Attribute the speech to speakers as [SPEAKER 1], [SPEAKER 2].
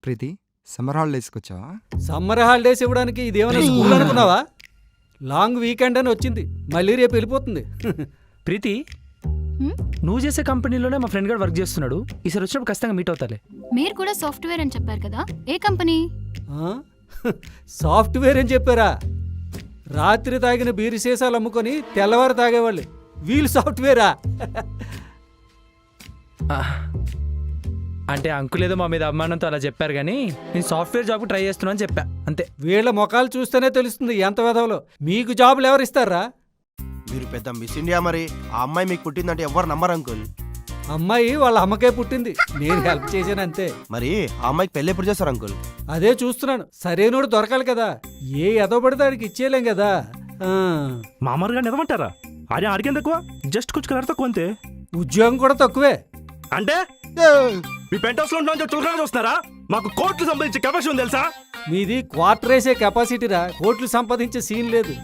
[SPEAKER 1] ప్రీతి summer హాలిడేస్కి వచ్చావా?
[SPEAKER 2] Summer holidays ఇవ్వడానికి ఇదేమైనా స్కూల్ అనుకున్నావా? లాంగ్ వీకెండ్ అని వచ్చింది, మళ్ళీ రేపు వెళ్ళిపోతుంది.
[SPEAKER 3] ప్రీతి
[SPEAKER 4] హ్మ్?
[SPEAKER 3] నువ్వు చేసే కంపెనీలోనే మా ఫ్రెండ్ గారు వర్క్ చేస్తున్నాడు. ఈసారి వచ్చినప్పుడు ఖచ్చితంగా మీట్ అవుతాలే.
[SPEAKER 4] మీరు కూడా సాఫ్ట్వేర్ అని చెప్పారు కదా, ఏ కంపెనీ?
[SPEAKER 2] ఆ? సాఫ్ట్వేర్ అని చెప్పారా? రాత్రి తాగిన బీరు సీసాలు అమ్ముకొని తెల్లవారు తాగేవాళ్ళు వీళ్ళు సాఫ్ట్వేరా?
[SPEAKER 3] అంటే అంకుల్ ఏదో మా మీద అభిమానంతో అలా చెప్పారు, కానీ నేను సాఫ్ట్వేర్ జాబ్కి ట్రై చేస్తున్నా అని చెప్పా అంతే.
[SPEAKER 2] వీళ్ళ ముఖాలు చూస్తేనే తెలుస్తుంది ఎంత వెధవలో. మీకు జాబులు ఎవరు ఇస్తారా?
[SPEAKER 5] మీరు పెద్ద మిస్ ఇండియా. మరి ఆ అమ్మాయి మీకు పుట్టిందంటే ఎవరు నమ్మరు అంకుల్.
[SPEAKER 2] అమ్మాయి వాళ్ళ అమ్మకే పుట్టింది, నేను హెల్ప్ చేశాను అంతే.
[SPEAKER 5] మరి ఆ అమ్మాయికి పెళ్లి ఎప్పుడు చేస్తారు అంకుల్?
[SPEAKER 2] అదే చూస్తున్నాను, సరైనోడు దొరకాలి కదా. ఏ ఎదో పడితే ఆడికి ఇచ్చేయలేం కదా.
[SPEAKER 6] మామూలుగా నిజమంటారా? అదే అడిగేం తక్కువ, జస్ట్ కొంచెం కలర్ తక్కువ అంతే.
[SPEAKER 2] ఉద్యోగం కూడా తక్కువే.
[SPEAKER 6] అంటే మీ పెంట్ హౌస్ లో ఉంటాం చులకన చూస్తున్నారా? మాకు కోట్లు సంబంధించే కెపాసిటీ ఉంది తెలుసా?
[SPEAKER 2] మీది క్వార్టర్ వేసే కెపాసిటీరా, కోట్లు సంపాదించే సీన్ లేదు.